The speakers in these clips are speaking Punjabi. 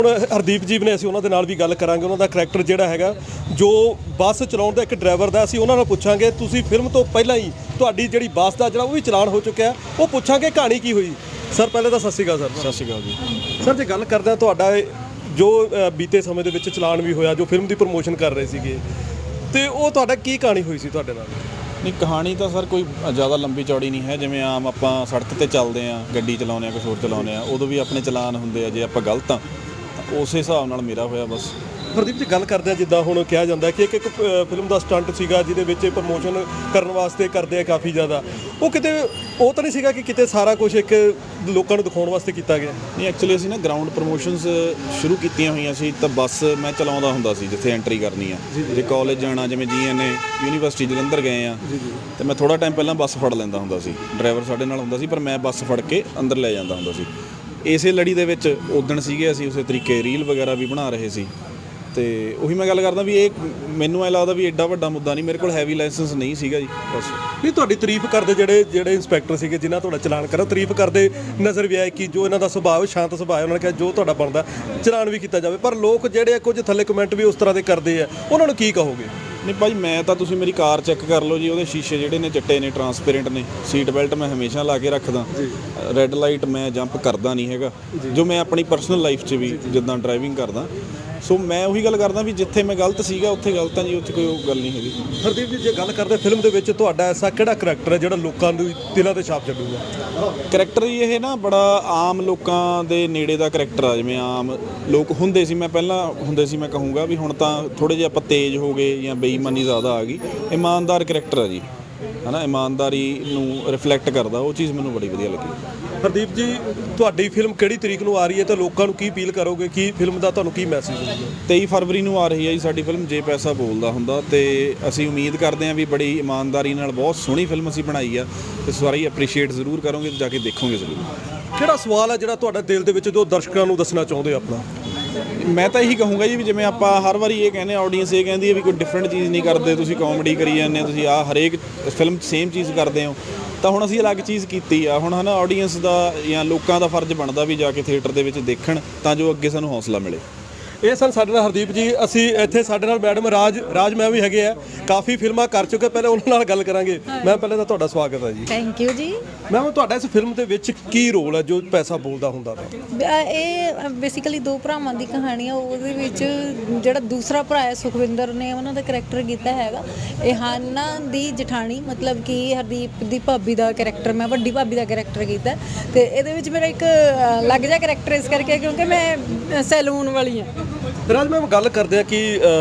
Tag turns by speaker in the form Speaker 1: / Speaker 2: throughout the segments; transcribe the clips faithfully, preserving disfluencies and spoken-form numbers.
Speaker 1: हरदीप जी ने असीं उन्हां दे नाल भी गल करांगे। उन्हां दा करैक्टर जिहड़ा हैगा जो ਬੱਸ ਚਲਾਉਣ ਦਾ ਇੱਕ ਡਰਾਈਵਰ ਦਾ, ਅਸੀਂ ਉਹਨਾਂ ਨਾਲ ਪੁੱਛਾਂਗੇ ਤੁਸੀਂ ਫਿਲਮ ਤੋਂ ਪਹਿਲਾਂ ਹੀ ਤੁਹਾਡੀ ਜਿਹੜੀ ਬੱਸ ਦਾ ਜਿਹੜਾ ਉਹ ਵੀ ਚਲਾਨ ਹੋ ਚੁੱਕਿਆ, ਉਹ ਪੁੱਛਾਂਗੇ ਕਹਾਣੀ ਕੀ ਹੋਈ। ਸਰ ਪਹਿਲੇ ਤਾਂ ਸਤਿ ਸ਼੍ਰੀ ਅਕਾਲ ਸਰ।
Speaker 2: ਸਤਿ ਸ਼੍ਰੀ ਅਕਾਲ ਜੀ।
Speaker 1: ਸਰ ਜੇ ਗੱਲ ਕਰਦੇ ਹਾਂ ਤੁਹਾਡਾ ਜੋ ਬੀਤੇ ਸਮੇਂ ਦੇ ਵਿੱਚ ਚਲਾਨ ਵੀ ਹੋਇਆ, ਜੋ ਫਿਲਮ ਦੀ ਪ੍ਰਮੋਸ਼ਨ ਕਰ ਰਹੇ ਸੀਗੇ, ਤੇ ਉਹ ਤੁਹਾਡਾ ਕੀ ਕਹਾਣੀ ਹੋਈ ਸੀ ਤੁਹਾਡੇ ਨਾਲ?
Speaker 2: ਨਹੀਂ, ਕਹਾਣੀ ਤਾਂ ਸਰ ਕੋਈ ਜ਼ਿਆਦਾ ਲੰਬੀ ਚੌੜੀ ਨਹੀਂ ਹੈ। ਜਿਵੇਂ ਆਮ ਆਪਾਂ ਸੜਕ ਤੇ ਚੱਲਦੇ ਹਾਂ, ਗੱਡੀ ਚਲਾਉਂਦੇ ਹਾਂ, ਕੁਛ ਹੋਰ ਚਲਾਉਂਦੇ ਹਾਂ, ਉਦੋਂ ਵੀ ਆਪਣੇ ਚਲਾਨ ਹੁੰਦੇ ਆ। ਜੇ ਆਪਾਂ ਗਲਤ ਹਾਂ ਤਾਂ ਉਸੇ ਹਿਸਾਬ ਨਾਲ ਮੇਰਾ ਹੋਇਆ ਬਸ।
Speaker 1: ਹਰਦੀਪ ਜੀ ਗੱਲ ਕਰਦੇ ਆ, ਜਿੱਦਾਂ ਹੁਣ ਕਿਹਾ ਜਾਂਦਾ ਕਿ ਇੱਕ ਇੱਕ ਫਿਲਮ ਦਾ ਸਟੰਟ ਸੀਗਾ ਜਿਹਦੇ ਵਿੱਚ ਪ੍ਰਮੋਸ਼ਨ ਕਰਨ ਵਾਸਤੇ ਕਰਦੇ ਆ ਕਾਫੀ ਜ਼ਿਆਦਾ, ਉਹ ਕਿਤੇ ਉਹ ਤਾਂ ਨਹੀਂ ਸੀਗਾ ਕਿ ਕਿਤੇ ਸਾਰਾ ਕੁਝ ਇੱਕ ਲੋਕਾਂ ਨੂੰ ਦਿਖਾਉਣ ਵਾਸਤੇ ਕੀਤਾ ਗਿਆ?
Speaker 2: ਨਹੀਂ, ਐਕਚੁਅਲੀ ਅਸੀਂ ਨਾ ਗਰਾਊਂਡ ਪ੍ਰਮੋਸ਼ਨਸ ਸ਼ੁਰੂ ਕੀਤੀਆਂ ਹੋਈਆਂ ਸੀ। ਤਾਂ ਬੱਸ ਮੈਂ ਚਲਾਉਂਦਾ ਹੁੰਦਾ ਸੀ ਜਿੱਥੇ ਐਂਟਰੀ ਕਰਨੀ ਆ। ਜੇ ਕਾਲਜ ਜਾਣਾ, ਜਿਵੇਂ ਜੀ ਐਨ ਏ ਯੂਨੀਵਰਸਿਟੀ ਜਲੰਧਰ ਗਏ ਆ, ਤੇ ਮੈਂ ਥੋੜ੍ਹਾ ਟਾਈਮ ਪਹਿਲਾਂ ਬੱਸ ਫੜ ਲੈਂਦਾ ਹੁੰਦਾ ਸੀ। ਡਰਾਈਵਰ ਸਾਡੇ ਨਾਲ ਹੁੰਦਾ ਸੀ, ਪਰ ਮੈਂ ਬੱਸ ਫੜ ਕੇ ਅੰਦਰ ਲੈ ਜਾਂਦਾ ਹੁੰਦਾ ਸੀ। ਇਸੇ ਲੜੀ ਦੇ ਵਿੱਚ ਉਦਣ ਸੀਗੇ ਅਸੀਂ ਉਸੇ ਤਰੀਕੇ ਰੀਲ ਵਗੈਰਾ ਵੀ ਬਣਾ ਰਹੇ ਸੀ। ਤੇ ਉਹੀ ਮੈਂ ਗੱਲ ਕਰਦਾ ਵੀ ਇਹ ਮੈਨੂੰ ਐ ਲੱਗਦਾ ਵੀ ਐਡਾ ਵੱਡਾ ਮੁੱਦਾ ਨਹੀਂ। ਮੇਰੇ ਕੋਲ ਹੈਵੀ ਲਾਇਸੈਂਸ ਨਹੀਂ ਸੀਗਾ ਜੀ ਬਸ।
Speaker 1: ਨਹੀਂ, ਤੁਹਾਡੀ ਤਾਰੀਫ ਕਰਦੇ ਜਿਹੜੇ ਜਿਹੜੇ ਇੰਸਪੈਕਟਰ ਸੀਗੇ ਜਿਨ੍ਹਾਂ ਤੁਹਾਡਾ ਚਲਾਨ ਕਰਾ, ਤਾਰੀਫ ਕਰਦੇ ਨਜ਼ਰ ਵੀ ਆਏ ਕਿ ਜੋ ਇਹਨਾਂ ਦਾ ਸੁਭਾਅ ਸ਼ਾਂਤ ਸੁਭਾਅ ਹੈ, ਉਹਨਾਂ ਨੇ ਕਿਹਾ ਜੋ ਤੁਹਾਡਾ ਬਣਦਾ ਚਲਾਨ ਵੀ ਕੀਤਾ ਜਾਵੇ। ਪਰ ਲੋਕ ਜਿਹੜੇ ਕੁਝ ਥੱਲੇ ਕਮੈਂਟ ਵੀ ਉਸ ਤਰ੍ਹਾਂ ਦੇ ਕਰਦੇ ਆ, ਉਹਨਾਂ ਨੂੰ ਕੀ ਕਹੋਗੇ?
Speaker 2: ਨਹੀਂ ਭਾਈ, ਮੈਂ ਤਾਂ ਤੁਸੀਂ ਮੇਰੀ ਕਾਰ ਚੈੱਕ ਕਰ ਲਓ ਜੀ, ਉਹਦੇ ਸ਼ੀਸ਼ੇ ਜਿਹੜੇ ਨੇ ਚਿੱਟੇ ਨੇ, ਟਰਾਂਸਪੇਰੈਂਟ ਨੇ। ਸੀਟ ਬੈਲਟ ਮੈਂ ਹਮੇਸ਼ਾ ਲਾ ਕੇ ਰੱਖਦਾ। ਰੈੱਡ ਲਾਈਟ ਮੈਂ ਜੰਪ ਕਰਦਾ ਨਹੀਂ ਹੈਗਾ, ਜੋ ਮੈਂ ਆਪਣੀ ਪਰਸਨਲ ਲਾਈਫ 'ਚ ਵੀ ਜਿੱਦਾਂ ਡਰਾਈਵਿੰਗ ਕਰਦਾ। ਸੋ ਮੈਂ ਉਹੀ ਗੱਲ ਕਰਦਾ ਵੀ ਜਿੱਥੇ ਮੈਂ ਗਲਤ ਸੀਗਾ ਉੱਥੇ ਗਲਤ ਹਾਂ ਜੀ, ਉੱਥੇ ਕੋਈ ਗੱਲ ਨਹੀਂ ਹੈਗੀ।
Speaker 1: ਹਰਦੀਪ ਜੀ ਜੇ ਗੱਲ ਕਰਦੇ ਫਿਲਮ ਦੇ ਵਿੱਚ ਤੁਹਾਡਾ ਐਸਾ ਕਿਹੜਾ ਕਰੈਕਟਰ ਹੈ ਜਿਹੜਾ ਲੋਕਾਂ ਨੂੰ ਦਿਲਾਂ 'ਤੇ ਛਾਪ ਛੱਡੂਗਾ?
Speaker 2: ਕਰੈਕਟਰ ਜੀ ਇਹ ਨਾ ਬੜਾ ਆਮ ਲੋਕਾਂ ਦੇ ਨੇੜੇ ਦਾ ਕਰੈਕਟਰ ਆ। ਜਿਵੇਂ ਆਮ ਲੋਕ ਹੁੰਦੇ ਸੀ, ਮੈਂ ਪਹਿਲਾਂ ਹੁੰਦੇ ਸੀ, ਮੈਂ ਕਹੂੰਗਾ ਵੀ ਹੁਣ ਤਾਂ ਥੋੜ੍ਹੇ ਜਿਹੇ ਆਪਾਂ ਤੇਜ਼ ਹੋ ਗਏ ਜਾਂ ਬੇਈਮਾਨੀ ਜ਼ਿਆਦਾ ਆ ਗਈ। ਇਮਾਨਦਾਰ ਕਰੈਕਟਰ ਆ ਜੀ, ਹੈ ਨਾ, ਇਮਾਨਦਾਰੀ ਨੂੰ ਰਿਫਲੈਕਟ ਕਰਦਾ। ਉਹ ਚੀਜ਼ ਮੈਨੂੰ ਬੜੀ ਵਧੀਆ ਲੱਗੀ।
Speaker 1: ਹਰਦੀਪ ਜੀ ਤੁਹਾਡੀ ਫਿਲਮ ਕਿਹੜੀ ਤਰੀਕ ਨੂੰ ਆ ਰਹੀ ਹੈ ਤੇ ਲੋਕਾਂ ਨੂੰ ਕੀ ਅਪੀਲ ਕਰੋਗੇ? ਕੀ ਫਿਲਮ ਦਾ ਤੁਹਾਨੂੰ ਕੀ ਮੈਸੇਜ ਹੋਊਗਾ?
Speaker 2: ਤੇਈ ਫਰਵਰੀ ਨੂੰ ਆ ਰਹੀ ਹੈ ਜੀ ਸਾਡੀ ਫਿਲਮ ਜੇ ਪੈਸਾ ਬੋਲਦਾ ਹੁੰਦਾ। ਤੇ ਅਸੀਂ ਉਮੀਦ ਕਰਦੇ ਹਾਂ ਵੀ ਬੜੀ ਇਮਾਨਦਾਰੀ ਨਾਲ ਬਹੁਤ ਸੋਹਣੀ ਫਿਲਮ ਅਸੀਂ ਬਣਾਈ ਆ, ਤੇ ਸਾਰੇ ਅਪਰੀਸ਼ੀਏਟ ਜ਼ਰੂਰ ਕਰੋਗੇ ਤੇ ਜਾ ਕੇ ਦੇਖੋਗੇ ਜ਼ਰੂਰ।
Speaker 1: ਕਿਹੜਾ ਸਵਾਲ ਹੈ ਜਿਹੜਾ ਤੁਹਾਡਾ ਦਿਲ ਦੇ ਵਿੱਚ ਜੋ ਦਰਸ਼ਕਾਂ ਨੂੰ ਦੱਸਣਾ ਚਾਹੁੰਦੇ ਆਪਣਾ?
Speaker 2: ਮੈਂ ਤਾਂ ਇਹੀ ਕਹੂੰਗਾ ਜੀ ਵੀ ਜਿਵੇਂ ਆਪਾਂ ਹਰ ਵਾਰੀ ਇਹ ਕਹਿੰਦੇ ਆਡੀਅנס ਇਹ ਕਹਿੰਦੀ ਹੈ ਵੀ ਕੋਈ ਡਿਫਰੈਂਟ ਚੀਜ਼ ਨਹੀਂ ਕਰਦੇ, ਤੁਸੀਂ ਕਾਮੇਡੀ ਕਰੀ ਜਾਂਦੇ ਹੋ, ਤੁਸੀਂ ਆਹ ਹਰੇਕ ਫਿਲਮ 'ਚ ਸੇਮ ਚੀਜ਼ ਕਰਦੇ ਹੋ। ਤਾਂ ਹੁਣ ਅਸੀਂ ਅਲੱਗ ਚੀਜ਼ ਕੀਤੀ ਆ। ਹੁਣ ਹੈ ਨਾ, ਆਡੀਅנס ਦਾ ਜਾਂ ਲੋਕਾਂ ਦਾ ਫਰਜ਼ ਬਣਦਾ ਵੀ ਜਾ ਕੇ ਥੀਏਟਰ ਦੇ ਵਿੱਚ ਦੇਖਣ, ਤਾਂ ਜੋ ਅੱਗੇ ਸਾਨੂੰ ਹੌਸਲਾ ਮਿਲੇ।
Speaker 1: ਇਹ ਸਨ ਸਾਡੇ ਨਾਲ ਹਰਦੀਪ ਜੀ। ਅਸੀਂ ਇੱਥੇ ਸਾਡੇ ਨਾਲ ਮੈਡਮ ਰਾਜ ਰਾਜ ਮੈਮ ਵੀ ਹੈਗੇ ਆ, ਕਾਫੀ ਫਿਲਮਾਂ ਕਰ ਚੁੱਕੇ। ਪਹਿਲੇ ਉਹਨਾਂ ਨਾਲ ਗੱਲ ਕਰਾਂਗੇ। ਮੈਮ ਪਹਿਲੇ ਤਾਂ ਤੁਹਾਡਾ ਸਵਾਗਤ ਹੈ ਜੀ।
Speaker 3: ਥੈਂਕ ਯੂ ਜੀ।
Speaker 1: ਮੈਮ ਤੁਹਾਡਾ ਇਸ ਫਿਲਮ ਦੇ ਵਿੱਚ ਕੀ ਰੋਲ ਹੈ ਜੋ ਪੈਸਾ ਬੋਲਦਾ ਹੁੰਦਾ ਵਾ?
Speaker 3: ਇਹ ਬੇਸਿਕਲੀ ਦੋ ਭਰਾਵਾਂ ਦੀ ਕਹਾਣੀ ਆ। ਉਹਦੇ ਵਿੱਚ ਜਿਹੜਾ ਦੂਸਰਾ ਭਰਾ ਹੈ ਸੁਖਵਿੰਦਰ ਨੇ ਉਹਨਾਂ ਦਾ ਕਰੈਕਟਰ ਕੀਤਾ ਹੈਗਾ। ਇਹ ਹਾਨਾ ਦੀ ਜਠਾਣੀ, ਮਤਲਬ ਕਿ ਹਰਦੀਪ ਦੀ ਭਾਬੀ ਦਾ ਕਰੈਕਟਰ, ਮੈਂ ਵੱਡੀ ਭਾਬੀ ਦਾ ਕਰੈਕਟਰ ਕੀਤਾ। ਤੇ ਇਹਦੇ ਵਿੱਚ ਮੇਰਾ ਇੱਕ ਅਲੱਗ ਜਿਹਾ ਕਰੈਕਟਰ ਇਸ ਕਰਕੇ ਕਿਉਂਕਿ ਮੈਂ ਸੈਲੂਨ ਵਾਲੀ ਹਾਂ।
Speaker 1: ਰਾਜ ਮੈਮ ਗੱਲ ਕਰਦੇ ਆ ਕਿ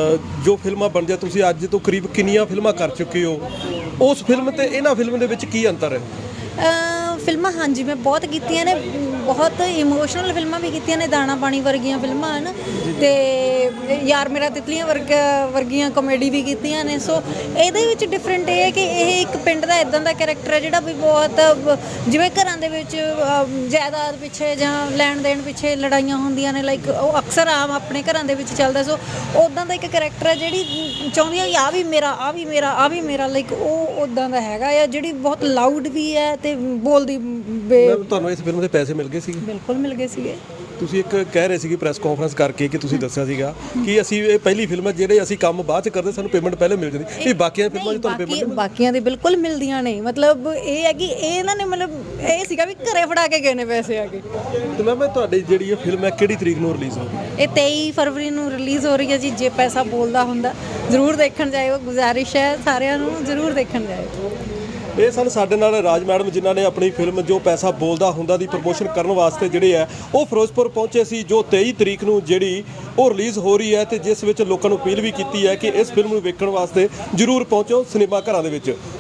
Speaker 1: ਜੋ ਫਿਲਮਾਂ ਬਣਦੀਆਂ, ਤੁਸੀਂ ਅੱਜ ਤੋਂ ਕਰੀਬ ਕਿੰਨੀਆਂ ਫਿਲਮਾਂ ਕਰ ਚੁੱਕੇ ਹੋ, ਉਸ ਫਿਲਮ ਤੇ ਇਹਨਾਂ ਫਿਲਮ ਦੇ ਵਿੱਚ ਕੀ ਅੰਤਰ ਹੈ?
Speaker 3: ਫਿਲਮਾਂ ਹਾਂਜੀ ਮੈਂ ਬਹੁਤ ਕੀਤੀਆਂ ਨੇ, ਬਹੁਤ ਇਮੋਸ਼ਨਲ ਫਿਲਮਾਂ ਵੀ ਕੀਤੀਆਂ ਨੇ, ਦਾਣਾ ਪਾਣੀ ਵਰਗੀਆਂ ਫਿਲਮਾਂ ਹਨ, ਤੇ ਯਾਰ ਮੇਰਾ ਤਿਤਲੀਆਂ ਵਰਗ ਵਰਗੀਆਂ ਕਾਮੇਡੀ ਵੀ ਕੀਤੀਆਂ ਨੇ। ਸੋ ਇਹਦੇ ਵਿੱਚ ਡਿਫਰੈਂਟ ਇਹ ਹੈ ਕਿ ਇਹ ਇੱਕ ਪਿੰਡ ਦਾ ਇੱਦਾਂ ਦਾ ਕਰੈਕਟਰ ਹੈ ਜਿਹੜਾ ਵੀ ਬਹੁਤ, ਜਿਵੇਂ ਘਰਾਂ ਦੇ ਵਿੱਚ ਜਾਇਦਾਦ ਪਿੱਛੇ ਜਾਂ ਲੈਣ ਦੇਣ ਪਿੱਛੇ ਲੜਾਈਆਂ ਹੁੰਦੀਆਂ ਨੇ, ਲਾਈਕ ਉਹ ਅਕਸਰ ਆਮ ਆਪਣੇ ਘਰਾਂ ਦੇ ਵਿੱਚ ਚੱਲਦਾ। ਸੋ ਉੱਦਾਂ ਦਾ ਇੱਕ ਕਰੈਕਟਰ ਹੈ ਜਿਹੜੀ ਚਾਹੁੰਦੀ ਹੈ ਆ ਵੀ ਮੇਰਾ, ਆ ਵੀ ਮੇਰਾ, ਆ ਵੀ ਮੇਰਾ, ਲਾਈਕ ਉਹ ਉੱਦਾਂ ਦਾ ਹੈਗਾ ਆ, ਜਿਹੜੀ ਬਹੁਤ ਲਾਊਡ ਵੀ ਹੈ ਤੇ ਬੋਲਦੀ।
Speaker 1: ਤੁਹਾਨੂੰ ਇਸ ਫਿਲਮ ਦੇ ਪੈਸੇ ਮਿਲ ਗਏ ਸੀ?
Speaker 3: ਬਿਲਕੁਲ ਮਿਲ ਗਏ ਸੀਗੇ।
Speaker 1: ਤੁਸੀਂ ਇੱਕ ਕਹਿ ਰਹੇ ਸੀਗੇ ਪ੍ਰੈਸ ਕਾਨਫਰੰਸ ਕਰਕੇ ਕਿ ਤੁਸੀਂ ਦੱਸਿਆ ਸੀਗਾ ਕਿ ਅਸੀਂ ਇਹ ਪਹਿਲੀ ਫਿਲਮ ਹੈ ਜਿਹੜੇ ਅਸੀਂ ਕੰਮ ਬਾਅਦ ਚ ਕਰਦੇ, ਸਾਨੂੰ ਪੇਮੈਂਟ ਪਹਿਲੇ ਮਿਲ ਜਾਂਦੀ। ਇਹ ਬਾਕੀਆਂ ਫਿਲਮਾਂ 'ਚ ਤੁਹਾਨੂੰ ਪੇਮੈਂਟ?
Speaker 3: ਬਾਕੀਆਂ ਦੇ ਬਿਲਕੁਲ ਮਿਲਦੀਆਂ ਨੇ। ਮਤਲਬ ਇਹ ਹੈ ਕਿ ਇਹ ਇਹਨਾਂ ਨੇ ਮਤਲਬ ਇਹ ਸੀਗਾ ਵੀ ਘਰੇ ਫੜਾ ਕੇ ਗਏ ਨੇ ਪੈਸੇ ਆ ਕੇ।
Speaker 1: ਤੇ ਮੈਂ ਤੁਹਾਡੀ ਜਿਹੜੀ ਇਹ ਫਿਲਮ ਹੈ ਕਿਹੜੀ ਤਰੀਕ ਨੂੰ ਰਿਲੀਜ਼ ਹੋਊਗੀ?
Speaker 3: ਇਹ ਤੇਈ ਫਰਵਰੀ ਨੂੰ ਰਿਲੀਜ਼ ਹੋ ਰਹੀ ਹੈ ਜੀ। ਜੇ ਪੈਸਾ ਬੋਲਦਾ ਹੁੰਦਾ ਜ਼ਰੂਰ ਦੇਖਣ ਜਾਇਓ, ਗੁਜ਼ਾਰਿਸ਼ ਹੈ ਸਾਰਿਆਂ ਨੂੰ ਜ਼ਰੂਰ ਦੇਖਣ ਜਾਇਓ।
Speaker 1: ਇਹ ਸਨ ਸਾਡੇ ਨਾਲ ਰਾਜ ਮੈਡਮ, ਜਿਨ੍ਹਾਂ ਨੇ ਆਪਣੀ ਫਿਲਮ ਜੋ ਪੈਸਾ ਬੋਲਦਾ ਹੁੰਦਾ ਦੀ ਪ੍ਰਮੋਸ਼ਨ ਕਰਨ ਵਾਸਤੇ ਜਿਹੜੇ ਹੈ ਉਹ ਫਿਰੋਜ਼ਪੁਰ ਪਹੁੰਚੇ ਸੀ, ਜੋ ਤੇਈ ਤਰੀਕ ਨੂੰ ਜਿਹੜੀ ਉਹ ਰਿਲੀਜ਼ ਹੋ ਰਹੀ ਹੈ, ਤੇ ਜਿਸ ਵਿੱਚ ਲੋਕਾਂ ਨੂੰ ਅਪੀਲ ਵੀ ਕੀਤੀ ਹੈ ਕਿ ਇਸ ਫਿਲਮ ਨੂੰ ਵੇਖਣ ਵਾਸਤੇ ਜ਼ਰੂਰ ਪਹੁੰਚੋ ਸਿਨੇਮਾ ਘਰਾਂ ਦੇ ਵਿੱਚ।